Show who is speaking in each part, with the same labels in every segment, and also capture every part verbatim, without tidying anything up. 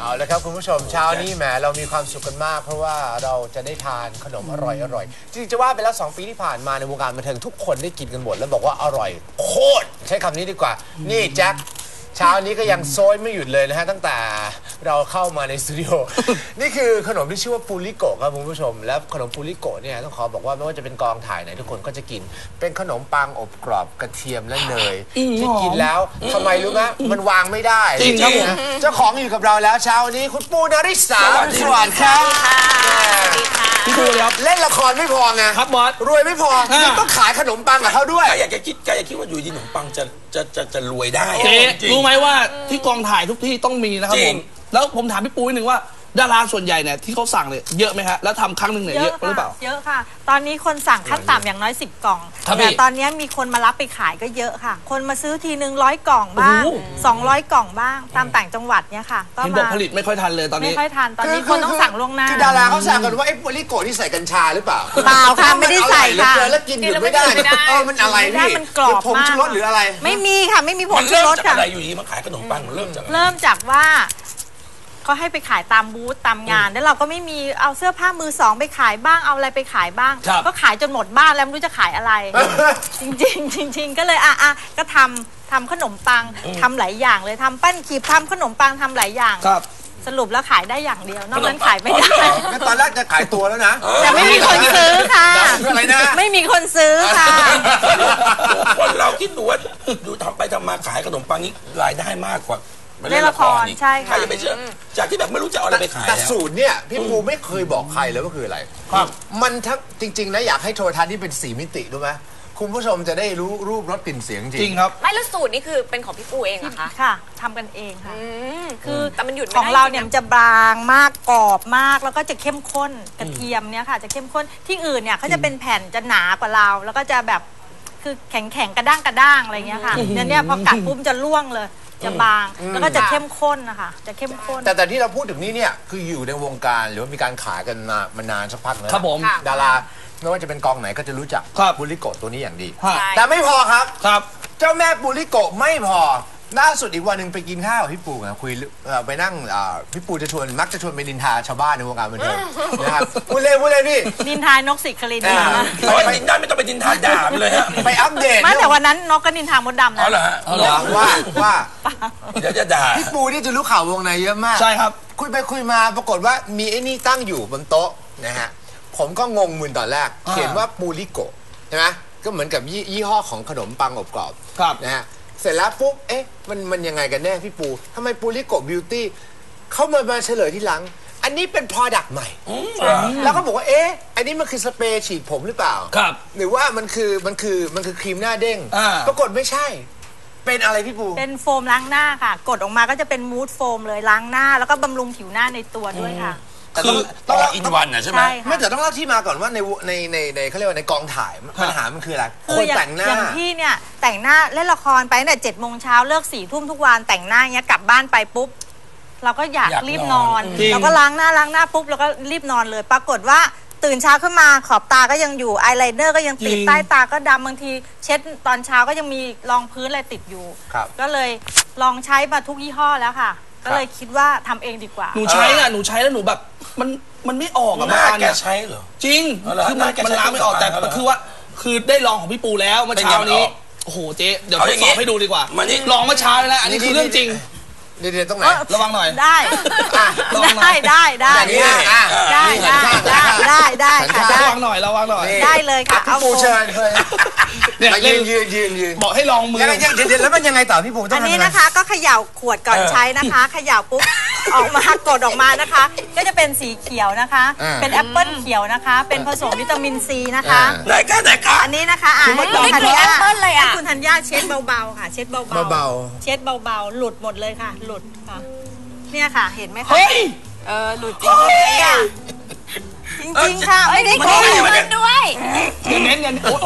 Speaker 1: เอาละครับคุณผู้ชมเช้านี้แหมเรามีความสุขกันมากเพราะว่าเราจะได้ทานขนมอร่อยอร่อยจริงๆจะว่าไปแล้วสองปีที่ผ่านมาในวงการบันเทิงทุกคนได้กินกันหมดแล้วบอกว่าอร่อยโคตรใช้คำนี้ดีกว่านี่แจ็คเช้านี้ก็ยังโซยไม่หยุดเลยนะฮะตั้งแต่เราเข้ามาในสตูดิโอ นี่คือขนมที่ชื่อว่าปูริโกะครับคุณผู้ชมและขนมปูริโกะเนี่ยต้องขอบอกว่าไม่ว่าจะเป็นกองถ่ายไหนทุกคนก็จะกินเป็นขนมปังอบกรอบกระเทียมและเนยที่กินแล้วทำไมรู้ไหมมันวางไม่ได้จริงครับผมเจ้าของอยู่กับเราแล้วเช้านี้คุณปูนริษาสวัสดีครับ
Speaker 2: พี่ปูครับ
Speaker 1: เล่นละครไม่พอไง
Speaker 2: ครับบอส
Speaker 1: รวยไม่พอต้องขายขนมปังกับเขาด้วย
Speaker 3: อยากจะคิดอยากจะคิดว่าอยู่ดีขนมปังจะจะจะจะรวยได้
Speaker 2: เจ๊รู้ไหมว่าที่กองถ่ายทุกที่ต้องมีนะครับผมแล้วผมถามพี่ปูนิดนึงว่าดาราส่วนใหญ่เนี่ยที่เขาสั่งเนี่ยเยอะไหมฮะแล้วทำครั้งหนึ่งเนี่ยเยอะหรือเปล่า
Speaker 4: เยอะค่ะตอนนี้คนสั่งขั้นต่ำอย่างน้อยสิบกล่องแต่ตอนนี้มีคนมารับไปขายก็เยอะค่ะคนมาซื้อทีนึงร้อยกล่องบ้างสองร้อยกล่องบ้างตามต่างจังหวัดเนี่ยค่ะ
Speaker 2: ก็มาผลิตไม่ค่อยทันเลยตอนนี้
Speaker 4: ไม่ค่อยทันตอนนี้คนต้องสั่งล่วงหน้า
Speaker 1: คือดาราเขาสั่งกันว่าไอ้ปูริโกะที่ใส่กัญชาหรือเปล่า
Speaker 4: เปล่าค่ะไม่ได้ใส่ค่ะ
Speaker 1: แล้วกินอยู่ไม่ได้เออมันอะไรพี่
Speaker 4: มันกรอบมาก
Speaker 1: ผงชูรสหรืออะไร
Speaker 4: ไม่มีค่ะไม่มีผงชูรสค่ะ
Speaker 3: อะไรอยู่ดีมาขายขนมปังมันเริ่มจาก
Speaker 4: เริ่มจากว่าเขาให้ไปขายตามบูธตามงานแล้วเราก็ไม่มีเอาเสื้อผ้ามือสองไปขายบ้างเอาอะไรไปขายบ้างก็ขายจนหมดบ้านแล้วไม่รู้จะขายอะไร จริงๆจริงๆก็เลยอ่ะอ่ะก็ทำทำขนมปังทำหลายอย่างเลยทำปั้นขีบทำขนมปังทำหลายอย่างสรุปแล้วขายได้อย่างเดียวนอกนั้นขายไม่ได้
Speaker 1: ตอนแรกจะขายตัวแล้วนะ
Speaker 4: แต่ไม่มีคนซื้อค่ะ
Speaker 1: อะไรนะ
Speaker 4: ไม่มีคนซื้อค่ะ
Speaker 3: คนเราคิดดูว่าดูทำไปทำมาขายขนมปังนี้รายได้มากกว่า
Speaker 4: เล่นละครใช่ค่ะ
Speaker 3: ใครจะไปเชื่อจากที่แบบไม่รู้จะเอาอะไรไปขาย
Speaker 1: แต่สูตรเนี่ยพี่ปูไม่เคยบอกใครเลยว่าคืออะไรครับมันทั้งจริงๆนะอยากให้โทรทัศน์นี่เป็นสีมิติรู้ไหมคุณผู้ชมจะได้รู้รูปรสกลิ่นเสียงจริง
Speaker 2: จริงครับ
Speaker 5: ไม่แล้วสูตรนี่คือเป็นของพี่ปูเองเหรอคะ
Speaker 4: ค่ะทำกันเองค่ะ
Speaker 5: คือแต่มันหยุด
Speaker 4: ของเราเนี่ยมันจะบางมากกรอบมากแล้วก็จะเข้มข้นกระเทียมเนี่ยค่ะจะเข้มข้นที่อื่นเนี่ยเขาจะเป็นแผ่นจะหนากว่าเราแล้วก็จะแบบคือแข็งแข็งกระด้างกระด้างอะไรเงี้ยค่ะเนี่ยเนี่ยพอกัดปุ๊บจะล่วงเลยจะบางแล้วก็จะเข้มข้นนะคะจะเข้มข้น
Speaker 1: แต่แต่ที่เราพูดถึงนี่เนี่ยคืออยู่ในวงการหรือว่ามีการขายกันมามานานสักพักแล้ว
Speaker 2: ครับผม
Speaker 1: ดาราไม่ว่าจะเป็นกองไหนก็จะรู้จักปูริโกะตัวนี้อย่างดีแต่ไม่พอครับ
Speaker 2: ครับ
Speaker 1: เจ้าแม่ปูริโกะไม่พอล่าสุดอีกวันหนึ่งไปกินข้าวกับพี่ปูนะคุยไปนั่งพี่ปูจะชวนมักจะชวนไปนินทาชาวบ้านในวงการบันเทิงนะครับพูดเล่นพูดเล่นพี่
Speaker 4: นินทานกสิคลินนะ
Speaker 3: ไปนินทาไม่ต้องไปนินทาด่าเลยฮะ
Speaker 1: ไปอัปเดต
Speaker 4: ไม่แต่วันนั้นนกก็นินทามดดำนะ
Speaker 3: อ๋อเหรอฮะ
Speaker 1: ว่าว่า
Speaker 3: เดี๋ยวจะด่า
Speaker 1: พี่ปูนี่จะรู้ข่าววงในเยอะมาก
Speaker 2: ใช่ครับ
Speaker 1: คุยไปคุยมาปรากฏว่ามีไอ้นี่ตั้งอยู่บนโต๊ะนะฮะผมก็งงมึนตอนแรกเขียนว่าปูริโกะใช่ไหมก็เหมือนกับยี่ห้อของขนมปังอบกรอบนะฮะเสร็จแล้วปุ๊บเอ๊ะมันมันยังไงกันแน่พี่ปูทำไมปูริโกะบิวตี้เขามามาเฉลยที่หลังอันนี้เป็น product ใหม่แล้วก็บอกว่าเอ๊ะอันนี้มันคือสเปรย์ฉีดผมหรือเปล่า
Speaker 2: ครับ
Speaker 1: หรือว่ามันคือมันคือมันคือครีมหน้าเด้งปรากฏไม่ใช่เป็นอะไรพี่ปู
Speaker 4: เป็นโฟมล้างหน้าค่ะกดออกมาก็จะเป็นมูดโฟมเลยล้างหน้าแล้วก็บำรุงผิวหน้าในตัวด้วยค่ะ
Speaker 3: คือต้องอินวันนะใช่ไหม
Speaker 1: ไม่แต่ต้องเล่าที่มาก่อนว่าในในในในเขาเรียกว่าในกองถ่ายปัญหามันคืออะไรคนแต่งหน้า
Speaker 4: อย่างพี่เนี่ยแต่งหน้าเล่นละครไปตั้งแต่เจ็ดโมงเช้าเลิกสี่ทุ่มทุกวันแต่งหน้าเงี้ยกลับบ้านไปปุ๊บเราก็อยากรีบนอนเราก็ล้างหน้าล้างหน้าปุ๊บเราก็รีบนอนเลยปรากฏว่าตื่นเช้าขึ้นมาขอบตาก็ยังอยู่อายไลเนอร์ก็ยังติดใต้ตาก็ดำบางทีเช็ดตอนเช้าก็ยังมีรองพื้นอะไรติดอยู่ก็เลยลองใช้มาทุกยี่ห้อแล้วค่ะก็เลยคิดว่าทำเองดีกว่า
Speaker 2: หนูใช้อะหนูใช้แล้วหนูแบบมันมันไม่ออกอะ
Speaker 3: หน้าแกใช้เหรอ
Speaker 2: จริงคือมันมันล้างไม่ออกแต่คือว่าคือได้ลองของพี่ปูแล้วเมื่อเช้านี้โอ้โหเจ๊เดี๋ยวทดสอบให้ดูดีกว่าลองเมื่อเช้าแล้วอันนี้คือเรื่องจริง
Speaker 1: เดี๋ยวตรงไหน
Speaker 2: ระวังหน่อย
Speaker 4: ได้ได้ได้ได้ได้ได้ได้ได้ได้ค่ะ
Speaker 2: ระวังหน่อยระวังหน่อย
Speaker 4: ได้เลยค่ะ
Speaker 1: พี่ปูเชิญเลย
Speaker 2: เนี่ยยืน
Speaker 1: ยืนยืนยืน
Speaker 2: บอกให้ลองมือ
Speaker 1: เดี๋ยวแล้วมันยังไงต่อพี่ปูต้อง
Speaker 4: อันนี้นะคะก็เขย่าขวดก่อนใช้นะคะเขย่าปุ๊บออกมากดออกมานะคะก็จะเป็นสีเขียวนะคะเป็นแอปเปิ้ลเขียวนะคะเป็นผสมวิตามินซีนะคะ
Speaker 3: ไหนกันไหนกัน
Speaker 4: อันนี้นะคะอ่านให้คุณธัญญาให้คุณธัญญาเช็ดเบาๆค่ะเช็ดเบา
Speaker 1: ๆเบา
Speaker 4: ๆเช็ดเบาๆหลุดหมดเลยค่ะหลุดค่ะเนี่ยค่ะเห็นไหมคะเออหลุดจริงจริงจริงค่ะไม่ได้โกงด้วย
Speaker 2: เน้นเน้นโอ้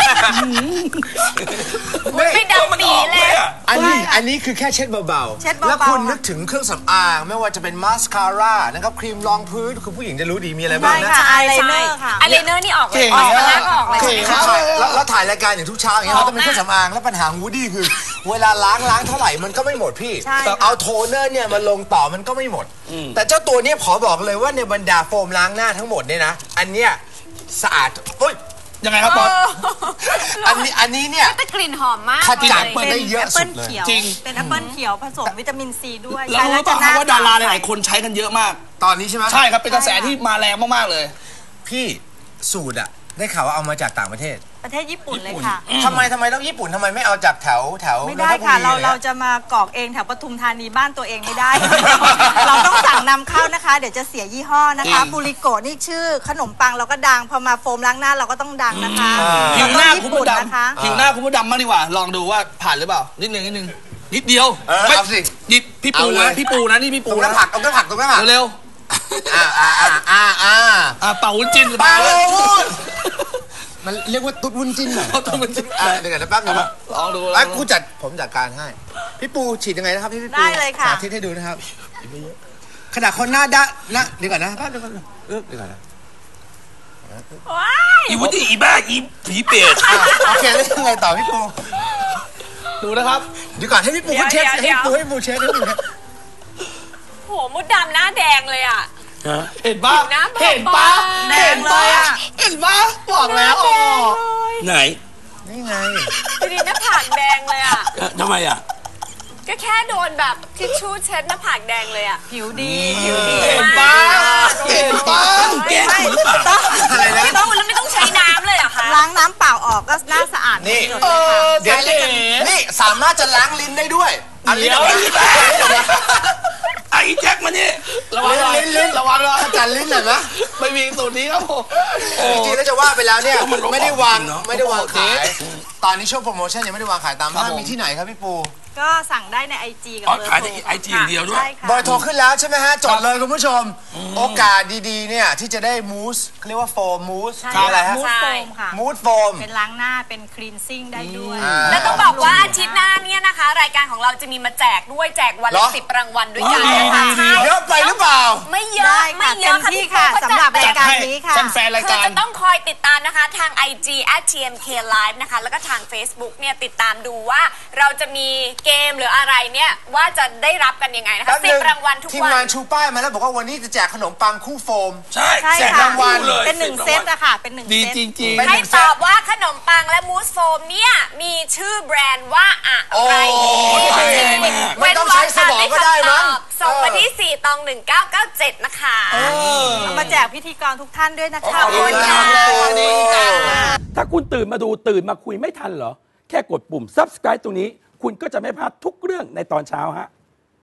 Speaker 4: ยไม่ดำปีเลย
Speaker 1: อันนี้อันนี้คือแค่เช็ดเบาๆแล้วคุณนึกถึงเครื่องสำอางไม่ว่าจะเป็นมาสคาร่านะครับครีมรองพื้นคือผู้หญิงจะรู้ดีมีอะไรบ้างนะ
Speaker 4: อายไลเนอร์ค่ะ
Speaker 5: อายไลเนอร์นี่ออกเลยออกแล้วออกเลย
Speaker 1: แล้วถ่ายรายการอย่างทุกเช้าอย่างเงี้ยเราต้องเป็นเครื่องสำอางแล้วปัญหาวูดี้คือเวลาล้างล้างเท่าไหร่มันก็ไม่หมดพี่
Speaker 4: ใช่ค่ะ
Speaker 1: เอาโทนเนอร์เนี่ยมาลงต่อมันก็ไม่หมด แต่เจ้าตัวเนี้ยขอบอกเลยว่าในบรรดาโฟมล้างหน้าทั้งหมดเนี่ยนะอันเนี้ยสะอาดโอ้ย
Speaker 2: ยังไงครับบอส
Speaker 1: อันนี้อันนี้เนี่ย
Speaker 5: แต่กลิ่นหอมมาก
Speaker 1: ขจัด
Speaker 5: เลย
Speaker 1: เปิดได้เยอะ
Speaker 4: แอปเปิ้ล
Speaker 1: สุดเลย
Speaker 4: เขียว
Speaker 2: จริง
Speaker 4: เป็นแอปเปิ้ลเขียวผสมวิตามินซีด้วย
Speaker 2: แล้วรู้ป่ะครับว่าดาราหลายๆคนใช้กันเยอะมาก
Speaker 1: ตอนนี้ใช่ไหม
Speaker 2: ใช่ครับเป็นกระแสที่มาแรงมากๆเลย
Speaker 1: พี่สูตรอะได้ข่าวว่าเอามาจากต่างประเทศ
Speaker 4: ประเทศญี่ปุ่นเลยค่ะ
Speaker 1: ทำไมทำไมต้องญี่ปุ่นทำไมไม่เอาจากแถวแถว
Speaker 4: ไม่ได้ค่ะ
Speaker 1: นนทบุ
Speaker 4: เรา
Speaker 1: ลย
Speaker 4: เราจะมากรอกเองแถวปทุมธานีบ้านตัวเองไม่ได้ เราต้องสั่งนำเข้านะคะ เดี๋ยวจะเสียยี่ห้อนะคะ
Speaker 2: อืม
Speaker 4: บูริโกะนี่ชื่อขนมปังเราก็ดัง พอมาโฟมล้างหน้าเราก็ต้องดังนะคะ
Speaker 2: ผิวหน้า
Speaker 4: แล้วก็
Speaker 2: คุณ
Speaker 4: ญี่
Speaker 2: ผู้
Speaker 4: ปุ่น
Speaker 2: ด
Speaker 4: นะคะ
Speaker 2: ำผิวหน้าคุณผู้ดำมากดีกว่า ลองดูว่าผ่านหรือเปล่า นิดนึงนิดนึงนิดเดียว
Speaker 1: เออ
Speaker 2: ไม่
Speaker 1: เอาสิ
Speaker 2: หยิบพี่ปู
Speaker 1: เอาเล
Speaker 2: นะ
Speaker 1: ย
Speaker 2: พี่ปูนะนี่พี่
Speaker 1: ต
Speaker 2: ปู
Speaker 1: รงหน้า
Speaker 2: นะ
Speaker 1: ผักตรงหน้าผักตรงหน้าผัก
Speaker 2: เร็ว
Speaker 1: อ่าอ่าอ่าอ่าอ่า
Speaker 2: ๆอ่ะเป่าวุ้นจิน
Speaker 1: เปล่า
Speaker 2: เลย
Speaker 1: มันเรียกว่าตุ๊ดวุ้นจิ้นหน่อย
Speaker 2: เอาตุ๊ดวุ้นจิ้น
Speaker 1: อ่ะเดี๋ยวก่อนนะแป๊บนึงนะ
Speaker 2: ลองดูล
Speaker 1: ไอ้
Speaker 2: องดู
Speaker 1: กูจัดผมจัดการให้ พี่ปูฉีดยังไงนะครับพี่พี่ปู
Speaker 4: ได้เลยค่ะ
Speaker 1: สาธิตให้ดูนะครับขนาดคนหน้าด้านนะเดี๋ยวก่อนนะแป๊บเดี๋ยวก่อนนะเออเดี๋ยวก่อนนะ
Speaker 5: ว้าย
Speaker 3: อีวุฒิอีบ้าอีผีเปรต
Speaker 1: อ่ะโอเคแล้วยังไงต่อพี่ปู
Speaker 2: ดูนะครับ
Speaker 1: เดี๋ยวก่อนให้พี่ปูเขาเช็คให้พี่ปูให้พี่ปูเช็คให้พี่ปูเช็ค
Speaker 5: โหมดดำหน้าแดงเลยอ่ะ
Speaker 2: เห็นปะ
Speaker 5: ผิวหน้าบอบบาง
Speaker 2: เห็นปะ
Speaker 4: แด
Speaker 2: เห็
Speaker 4: ง
Speaker 2: น
Speaker 4: เล
Speaker 2: ปะ
Speaker 4: ยอะ
Speaker 2: เห็นปะบอกแล้วอ๋อ
Speaker 3: ไหน
Speaker 1: นี่ไง
Speaker 5: ดูดิหน้าผากแดงเลยอ่ะ
Speaker 3: เอ่อทำไมอ่ะ
Speaker 5: ก็แค่โดนแบบทิชชู่เช็ดหน้าผากแดงเลยอ่ะ
Speaker 4: ผิวดี
Speaker 5: ผิวดี
Speaker 2: เห็นปะเห็นปะ
Speaker 3: แกล้งกูหรือเปล่า
Speaker 1: อะไรนะ
Speaker 5: ไม่ต้องแล้วไม่ต้องใช้น้ำเลยเหรอคะ
Speaker 4: ล้างน้ำเปล่าออกก็หน้าสะอาด
Speaker 1: นี่
Speaker 4: หมด
Speaker 2: เอ
Speaker 4: เลยค่ะ
Speaker 2: อ
Speaker 1: เดี๋ยว
Speaker 2: เก๋
Speaker 1: นี่สามารถจะล้างลิ้นได้ด้วยอันนี้
Speaker 2: เดี๋ยว
Speaker 3: ไอ้แจ็คมานี่
Speaker 2: ระวังหน่อย
Speaker 1: ลิ้นลิ้น
Speaker 2: ระวังหน่อย
Speaker 1: ขจัดลิ้นหน่อยไหม
Speaker 2: ไม่มีสูตรนี้ครับผม
Speaker 1: จริงๆแล้วจะว่าไปแล้วเนี่ย
Speaker 3: มันลบ
Speaker 1: ไม่ได้วาง
Speaker 3: ออกจริงเนอะ
Speaker 1: ไม่ได้วางขาย ตอนนี้ช่วงโปรโมชั่นยังไม่ได้วางขายตามห้างมีที่ไหนครับพี่ปู
Speaker 4: ก็สั่งได้ในไอจีกับ
Speaker 3: อ๋อ
Speaker 4: เบอร์
Speaker 3: ขาย
Speaker 4: โท
Speaker 3: ใน
Speaker 4: ร
Speaker 3: ไอจีอย่างเดียวด้วย
Speaker 4: ใช่ค่ะ
Speaker 1: เบอร์โทรขึ้นแล้วใช่ไหมฮะ จดเลยคุณผู้ชม โอกาสดีๆเนี่ยที่จะได้มูสเรียกว่าโฟมมูส
Speaker 4: ใช่
Speaker 1: คืออะไรฮะ
Speaker 4: มูสโฟมค่ะ
Speaker 1: มูสโฟม
Speaker 4: เป็นล้างหน้าเป็นคลีนซิ่งได้ด้วย
Speaker 1: อ่า
Speaker 5: แล้วต้องบอกว่าอาทิตย์หน้าเนี่ยนะคะ รายการของเราจะมีมาแจกด้วยแจกวัน
Speaker 1: เหร
Speaker 5: ละ
Speaker 1: อ
Speaker 5: สิบรางวัลด้วยกัน
Speaker 2: ดี
Speaker 5: นะคะ
Speaker 2: ดีดี
Speaker 1: เยอะไปหรือเปล่า
Speaker 5: ไม่เยอะ
Speaker 4: ได้
Speaker 5: ไม่
Speaker 4: ค่ะ
Speaker 5: เย
Speaker 4: เต็
Speaker 5: อะ
Speaker 4: ม
Speaker 5: ค่ะ
Speaker 4: ที่
Speaker 5: พี่
Speaker 4: ค่ะ
Speaker 5: ปู
Speaker 4: สำหรับ
Speaker 5: จัด
Speaker 4: รายการนี้ค่ะ
Speaker 2: แฟนๆราย
Speaker 5: คือ
Speaker 2: การ
Speaker 5: จะต้องคอยติดตามนะคะทาง ไอ จี แอท ที เอ็ม เค ไลฟ์ นะคะแล้วก็ทาง Facebook เนี่ยติดตามดูว่าเราจะมีเกมหรืออะไรเนี่ยว่าจะได้รับกันยังไงนะคะ
Speaker 1: แป๊บ
Speaker 5: สิ
Speaker 1: นึ
Speaker 5: บรางวัลทุก
Speaker 1: ทีม
Speaker 5: วั
Speaker 1: งาน
Speaker 5: น
Speaker 1: ชูป้ายมาแล้วบอกว่าวันนี้จะแจกขนมปังคู่โฟม
Speaker 3: ใช่
Speaker 4: ใช่
Speaker 3: แจก
Speaker 4: ค่ะ
Speaker 3: รางวัลเลย
Speaker 4: เป็นหนึ่งเซตอะค่ะ เป็นหนึ่ง
Speaker 2: ดี
Speaker 4: เซต
Speaker 2: จริง
Speaker 1: เป็น
Speaker 5: ให้ตอบว่าขนมปังและมูสโฟมเนี่ยมีชื่อแบรนด์ว่าอะ
Speaker 1: โอ้
Speaker 5: ไร
Speaker 3: ตายแล้ว
Speaker 1: ไม่ต้องใช้สมองก็ได้มั้ง
Speaker 5: ส่งมาที่สี่ตองหนึ่งเก้าเก้าเจ็ดนะคะ
Speaker 4: เอามาแจกพิธีกรทุกท่านด้วยนะคะ
Speaker 5: ขอบคุณค่ะ
Speaker 2: ดีค่ะ
Speaker 6: ถ้าคุณตื่นมาดูตื่นมาคุยไม่ทันเหรอ แค่กดปุ่ม ซับสไครบ์ ตรงนี้ คุณก็จะไม่พลาดทุกเรื่องในตอนเช้าฮะ